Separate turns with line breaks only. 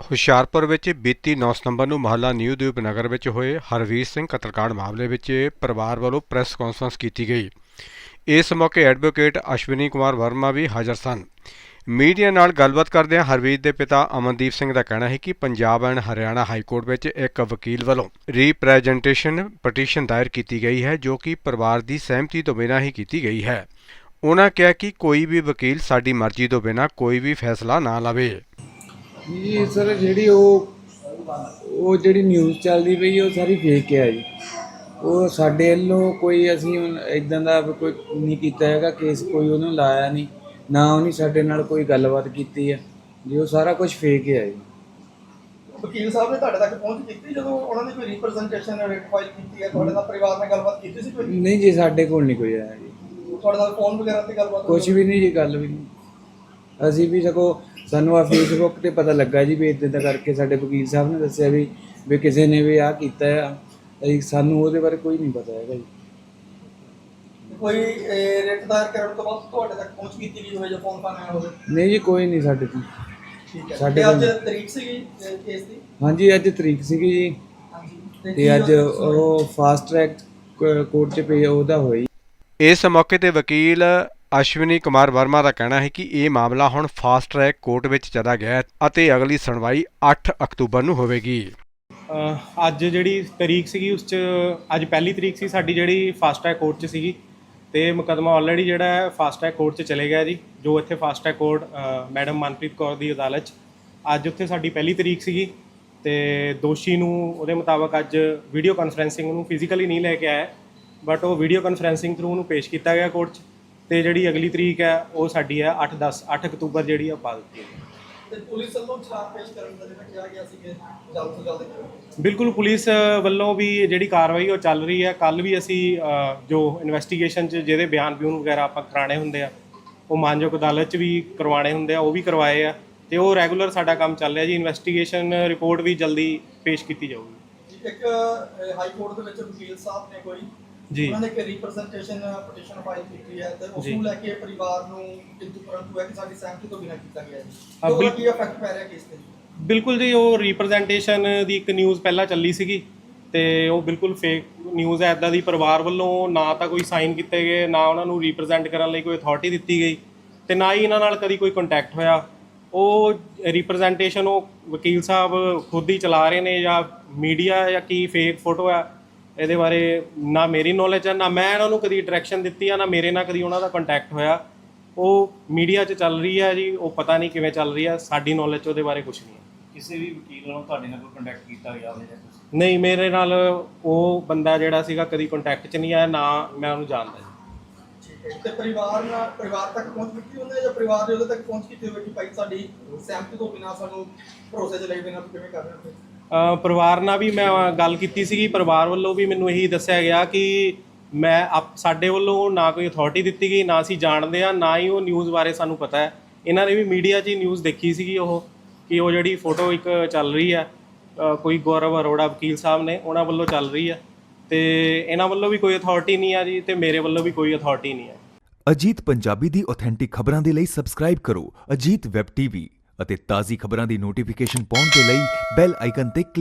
ਹੁਸ਼ਿਆਰਪੁਰ ਵਿੱਚ ਬੀਤੀ 9 ਸਤੰਬਰ ਨੂੰ ਮੁਹੱਲਾ ਨਿਊ ਦੀਪ ਨਗਰ ਵਿੱਚ ਹੋਏ ਹਰਵੀਰ ਸਿੰਘ ਕਤਲकांड ਮਾਮਲੇ ਵਿੱਚ ਪਰਿਵਾਰ ਵੱਲੋਂ ਪ੍ਰੈਸ ਕਾਨਫਰੰਸ ਕੀਤੀ ਗਈ। ਇਸ ਮੌਕੇ ਐਡਵੋਕੇਟ ਅਸ਼ਵਨੀ ਕੁਮਾਰ ਵਰਮਾ ਵੀ ਹਾਜ਼ਰ ਸਨ। ਮੀਡੀਆ ਨਾਲ ਗੱਲਬਾਤ ਕਰਦਿਆਂ ਹਰਵੀਰ ਦੇ ਪਿਤਾ ਅਮਨਦੀਪ ਸਿੰਘ ਦਾ ਕਹਿਣਾ ਹੈ ਕਿ Punjab and Haryana high court ਵਿੱਚ ਇੱਕ ਵਕੀਲ ਵੱਲੋਂ ਰੀਪ੍ਰੈਜ਼ੈਂਟੇਸ਼ਨ ਪਟੀਸ਼ਨ ਦਾਇਰ ਕੀਤੀ ਗਈ ਹੈ ਜੋ ਕਿ ਪਰਿਵਾਰ ਦੀ ਸਹਿਮਤੀ ਤੋਂ ਬਿਨਾਂ ਹੀ ਕੀਤੀ ਗਈ ਹੈ। ਉਨ੍ਹਾਂ ਕਿਹਾ ਕਿ ਕੋਈ ਵੀ ਵਕੀਲ ਸਾਡੀ ਮਰਜ਼ੀ ਤੋਂ ਬਿਨਾਂ ਕੋਈ ਵੀ ਫੈਸਲਾ ਨਾ ਲਵੇ।
ਜੀ ਸਰ ਜਿਹੜੀ ਉਹ ਜਿਹੜੀ ਨਿਊਜ਼ ਚੱਲਦੀ ਪਈ ਉਹ ਸਾਰੀ ਫੇਕ ਹੈ ਜੀ। ਉਹ ਸਾਡੇ ਵੱਲੋਂ ਕੋਈ ਅਸੀਂ ਇੱਦਾਂ ਦਾ ਕੋਈ ਨਹੀਂ ਕੀਤਾ ਹੈਗਾ ਕੇਸ, ਕੋਈ ਉਹਨੂੰ ਲਾਇਆ ਨਹੀਂ, ਨਾ ਉਹਨੇ ਸਾਡੇ ਨਾਲ ਕੋਈ ਗੱਲਬਾਤ ਕੀਤੀ ਹੈ ਜੀ। ਉਹ ਸਾਰਾ ਕੁਝ ਫੇਕ ਹੈ ਜੀ।
ਵਕੀਲ ਸਾਹਿਬ ਨੇ ਤੁਹਾਡੇ ਤੱਕ ਪਹੁੰਚ ਕੀਤੀ ਜਦੋਂ ਉਹਨਾਂ ਨੇ ਕੋਈ ਰਿਪਰੈਜ਼ੈਂਟੇਸ਼ਨ ਰਿਟ ਫਾਈਲ ਕੀਤੀ ਹੈ? ਤੁਹਾਡੇ ਨਾਲ ਪਰਿਵਾਰ ਨਾਲ ਗੱਲਬਾਤ ਕੀਤੀ ਸੀ ਕੋਈ?
ਨਹੀਂ ਜੀ, ਸਾਡੇ ਕੋਲ ਨਹੀਂ ਕੋਈ ਆਇਆ ਜੀ।
ਤੁਹਾਡੇ ਨਾਲ ਫੋਨ ਵਗੈਰਾ ਤੇ ਗੱਲਬਾਤ?
ਕੁਝ ਵੀ ਨਹੀਂ ਜੀ, ਗੱਲ ਵੀ ਨਹੀਂ। ਅਸੀਂ ਵੀ ਸਗੋਂ ਸਾਨੂੰ ਆ ਫੇਸਬੁੱਕ ਤੇ ਪਤਾ ਲੱਗਾ ਜੀ ਵੀ ਇੱਦਾਂ ਕਰਕੇ ਸਾਡੇ ਵਕੀਲ ਸਾਹਿਬ ਨੇ ਦੱਸਿਆ ਵੀ ਕਿਸੇ ਨੇ ਵੀ ਆਹ ਕੀਤਾ ਆ। ਸਾਨੂੰ ਉਹਦੇ ਬਾਰੇ ਕੋਈ ਨਹੀਂ ਪਤਾ ਹੈਗਾ ਜੀ।
ਕੋਈ ਰਿਟ ਦਾਇਰ ਕਰਨ ਤੋਂ ਬਾਅਦ ਤੁਹਾਡੇ ਤੱਕ ਪਹੁੰਚ ਕੀਤੀ ਗਈ ਹੋਵੇ ਜਾਂ ਫੋਨ ਆਇਆ ਹੋਵੇ?
ਨਹੀਂ ਜੀ, ਕੋਈ ਨਹੀਂ ਸਾਡੇ ਤੋਂ।
ਠੀਕ ਹੈ।
ਸਾਡੇ
ਅੱਜ ਤਰੀਕ ਸੀਗੀ ਕੇਸ ਦੀ?
ਹਾਂਜੀ, ਅੱਜ ਤਰੀਕ ਸੀਗੀ ਜੀ।
ਹਾਂਜੀ,
ਤੇ ਅੱਜ ਉਹ ਫਾਸਟ ਟਰੈਕ ਕੋਰਟ 'ਚ ਪਈ ਉਹਦਾ ਹੋਈ।
ਇਸ ਮੌਕੇ ਤੇ ਵਕੀਲ ਅਸ਼ਵਨੀ ਕੁਮਾਰ ਵਰਮਾ ਦਾ ਕਹਿਣਾ ਹੈ ਕਿ ਇਹ ਮਾਮਲਾ ਹੁਣ ਫਾਸਟ ਟਰੈਕ ਕੋਰਟ ਵਿੱਚ ਚਲਾ ਗਿਆ ਹੈ ਅਤੇ ਅਗਲੀ ਸੁਣਵਾਈ 8 ਅਕਤੂਬਰ ਨੂੰ ਹੋਵੇਗੀ।
ਅੱਜ ਜਿਹੜੀ ਤਰੀਕ ਸੀਗੀ ਉਸ 'ਚ ਅੱਜ ਪਹਿਲੀ ਤਰੀਕ ਸੀ ਸਾਡੀ ਜਿਹੜੀ ਫਾਸਟ ਟਰੈਕ ਕੋਰਟ 'ਚ ਸੀਗੀ ਤੇ ਮੁਕੱਦਮਾ ਆਲਰੇਡੀ ਜਿਹੜਾ ਹੈ ਫਾਸਟ ਟਰੈਕ ਕੋਰਟ 'ਚ ਚਲੇ ਗਿਆ ਜੀ। ਜੋ ਇੱਥੇ fast track court madam Manpreet Kaur ਦੀ ਅਦਾਲਤ 'ਚ ਅੱਜ ਉੱਥੇ ਸਾਡੀ ਪਹਿਲੀ ਤਰੀਕ ਸੀਗੀ ਤੇ ਦੋਸ਼ੀ ਨੂੰ ਉਹਦੇ ਮੁਤਾਬਕ ਅੱਜ ਵੀਡੀਓ ਕਾਨਫਰੈਂਸਿੰਗ ਨੂੰ ਫਿਜ਼ੀਕਲੀ ਨਹੀਂ ਲੈ ਕੇ ਆਇਆ, ਬਟ ਉਹ ਵੀਡੀਓ ਕਾਨਫਰੈਂਸਿੰਗ ਥਰੂ ਉਹਨੂੰ ਪੇਸ਼ ਕੀਤਾ ਗਿਆ ਕੋਰਟ 'ਚ। ਤੇ ਜਿਹੜੀ ਅਗਲੀ ਤਰੀਕ ਹੈ ਉਹ ਸਾਡੀ ਹੈ 8 ਅਕਤੂਬਰ ਜਿਹੜੀ ਆ ਪਾ ਦਿੱਤੀ ਹੈ।
ਤੇ ਪੁਲਿਸ ਵੱਲੋਂ ਚਾਰ ਪੇਸ਼ ਕਰਨ ਦਾ ਜਿਹੜਾ ਕਿਹਾ ਗਿਆ ਸੀ ਕਿ ਜਲਦ ਤੋਂ ਜਲਦ ਕਰੋ।
ਬਿਲਕੁਲ, ਪੁਲਿਸ ਵੱਲੋਂ ਵੀ ਜਿਹੜੀ ਕਾਰਵਾਈ ਉਹ ਚੱਲ ਰਹੀ ਹੈ। ਕੱਲ੍ਹ ਵੀ ਅਸੀਂ ਜੋ ਇਨਵੈਸਟੀਗੇਸ਼ਨ 'ਚ ਜਿਹਦੇ ਬਿਆਨ ਵਗੈਰਾ ਆਪਾਂ ਕਰਾਉਣੇ ਹੁੰਦੇ ਆ ਉਹ ਮਾਨਯੋਗ ਅਦਾਲਤ 'ਚ ਵੀ ਕਰਵਾਉਣੇ ਹੁੰਦੇ ਆ, ਉਹ ਵੀ ਕਰਵਾਏ ਆ ਤੇ ਉਹ ਰੈਗੂਲਰ ਸਾਡਾ ਕੰਮ ਚੱਲ ਰਿਹਾ ਜੀ। ਇਨਵੈਸਟੀਗੇਸ਼ਨ ਰਿਪੋਰਟ ਵੀ ਜਲਦੀ ਪੇਸ਼ ਕੀਤੀ ਜਾਊਗੀ।
ਇੱਕ ਹਾਈ ਕੋਰਟ ਦੇ ਵਿੱਚ ਵਕੀਲ ਸਾਹਿਬ ਨੇ ਕੋਈ
ਜੀ
ਉਹਨਾਂ ਨੇ ਇੱਕ ਰਿਪਰੈਜ਼ੈਂਟੇਸ਼ਨ ਪਟੀਸ਼ਨ ਫਾਈਲ ਕੀਤੀ ਹੈ ਤੇ ਉਸ ਨੂੰ ਲੈ ਕੇ ਪਰਿਵਾਰ ਨੂੰ ਕਿੰਤੂ ਪਰੰਤੂ ਹੈ ਕਿ ਸਾਡੀ ਸਹਿਮਤੀ ਤੋਂ ਬਿਨਾਂ ਕੀਤਾ ਗਿਆ ਹੈ। ਉਹਦਾ ਕੀ ਇਫੈਕਟ ਪੈ ਰਿਹਾ ਕੇਸ ਤੇ?
ਬਿਲਕੁਲ ਜੀ, ਉਹ ਰਿਪਰੈਜ਼ੈਂਟੇਸ਼ਨ ਦੀ ਇੱਕ ਨਿਊਜ਼ ਪਹਿਲਾਂ ਚੱਲੀ ਸੀਗੀ ਤੇ ਉਹ ਬਿਲਕੁਲ ਫੇਕ ਨਿਊਜ਼ ਹੈ। ਇੱਦਾਂ ਦੀ ਪਰਿਵਾਰ ਵੱਲੋਂ ਨਾ ਤਾਂ ਕੋਈ ਸਾਈਨ ਕੀਤੇ ਗਏ, ਨਾ ਉਹਨਾਂ ਨੂੰ ਰਿਪਰੈਜ਼ੈਂਟ ਕਰਨ ਲਈ ਕੋਈ ਅਥਾਰਟੀ ਦਿੱਤੀ ਗਈ ਤੇ ਨਾ ਹੀ ਇਹਨਾਂ ਨਾਲ ਕਦੀ ਕੋਈ ਕੰਟੈਕਟ ਹੋਇਆ। ਉਹ ਰਿਪਰੈਜ਼ੈਂਟੇਸ਼ਨ ਉਹ ਵਕੀਲ ਸਾਹਿਬ ਖੁਦ ਹੀ ਚਲਾ ਰਹੇ ਨੇ ਜਾਂ ਮੀਡੀਆ ਜਾਂ ਕੀ ਫੇਕ ਫੋਟੋ ਹੈ, ਇਹਦੇ ਬਾਰੇ ਨਾ ਮੇਰੀ ਨੌਲੇਜ ਹੈ, ਨਾ ਮੈਂ ਇਹਨਾਂ ਨੂੰ ਕਦੀ ਡਾਇਰੈਕਸ਼ਨ ਦਿੱਤੀ ਆ, ਨਾ ਮੇਰੇ ਨਾਲ ਕਦੀ ਉਹਨਾਂ ਦਾ ਕੰਟੈਕਟ ਹੋਇਆ। ਉਹ ਮੀਡੀਆ 'ਚ ਚੱਲ ਰਹੀ ਹੈ ਜੀ, ਉਹ ਪਤਾ ਨਹੀਂ ਕਿਵੇਂ ਚੱਲ ਰਹੀ ਹੈ, ਸਾਡੀ ਨੌਲੇਜ 'ਚ ਉਹਦੇ ਬਾਰੇ ਕੁਝ ਨਹੀਂ ਹੈ।
ਕਿਸੇ ਵੀ ਵਕੀਲ ਨਾਲ ਤੁਹਾਡੇ ਨਾਲ ਕੋਈ ਕੰਟੈਕਟ ਕੀਤਾ ਗਿਆ ਹੋਵੇ ਜਾਂ ਕੁਝ?
ਨਹੀਂ, ਮੇਰੇ ਨਾਲ ਉਹ ਬੰਦਾ ਜਿਹੜਾ ਸੀਗਾ ਕਦੀ ਕੰਟੈਕਟ 'ਚ ਨਹੀਂ ਆਇਆ, ਨਾ ਮੈਂ ਉਹਨੂੰ ਜਾਣਦਾ ਜੀ।
ਠੀਕ ਹੈ। ਤੇ ਪਰਿਵਾਰ ਤੱਕ ਪਹੁੰਚ ਕੀਤੀ ਉਹਨੇ ਜਾਂ ਪਰਿਵਾਰ ਨੇ ਉਹਦੇ ਤੱਕ ਪਹੁੰਚ ਕੀਤੀ ਹੋਵੇ ਕਿ ਭਾਈ ਸਾਡੀ ਸਹਿਮਤੀ ਤੋਂ ਬਿਨਾਂ ਸਾਨੂੰ ਭਰੋਸੇ 'ਚ ਲਈ ਬਿਨਾਂ ਕਿਵੇਂ ਕਰ ਰਹੇ ਹੋ?
ਪਰਿਵਾਰ ਨਾਲ ਵੀ ਮੈਂ ਗੱਲ ਕੀਤੀ ਸੀਗੀ। ਪਰਿਵਾਰ ਵੱਲੋਂ ਵੀ ਮੈਨੂੰ ਇਹੀ ਦੱਸਿਆ ਗਿਆ ਕਿ ਸਾਡੇ ਵੱਲੋਂ ਨਾ ਕੋਈ ਅਥਾਰਟੀ ਦਿੱਤੀ ਗਈ, ਨਾ ਅਸੀਂ ਜਾਣਦੇ ਹਾਂ, ਨਾ ਹੀ ਉਹ ਨਿਊਜ਼ ਬਾਰੇ ਸਾਨੂੰ ਪਤਾ ਹੈ। ਇਹਨਾਂ ਨੇ ਵੀ ਮੀਡੀਆ 'ਚ ਹੀ ਨਿਊਜ਼ ਦੇਖੀ ਸੀਗੀ ਉਹ ਕਿ ਉਹ ਜਿਹੜੀ ਫੋਟੋ ਇੱਕ ਚੱਲ ਰਹੀ ਹੈ ਕੋਈ ਗੌਰਵ ਅਰੋੜਾ ਵਕੀਲ ਸਾਹਿਬ ਨੇ ਉਹਨਾਂ ਵੱਲੋਂ ਚੱਲ ਰਹੀ ਹੈ ਤੇ ਇਹਨਾਂ ਵੱਲੋਂ ਵੀ ਕੋਈ ਅਥਾਰਟੀ ਨਹੀਂ ਆ ਜੀ ਤੇ ਮੇਰੇ ਵੱਲੋਂ ਵੀ ਕੋਈ ਅਥਾਰਟੀ ਨਹੀਂ ਹੈ।
ਅਜੀਤ ਪੰਜਾਬੀ ਦੀ ਆਥੈਂਟਿਕ ਖਬਰਾਂ ਦੇ ਲਈ ਸਬਸਕ੍ਰਾਈਬ ਕਰੋ ਅਜੀਤ ਵੈਬ ਟੀਵੀ ਅਤੇ ਤਾਜ਼ੀ ਖਬਰਾਂ ਦੀ ਨੋਟੀਫਿਕੇਸ਼ਨ ਪਾਉਣ ਦੇ ਲਈ ਬੈਲ ਆਈਕਨ ਤੇ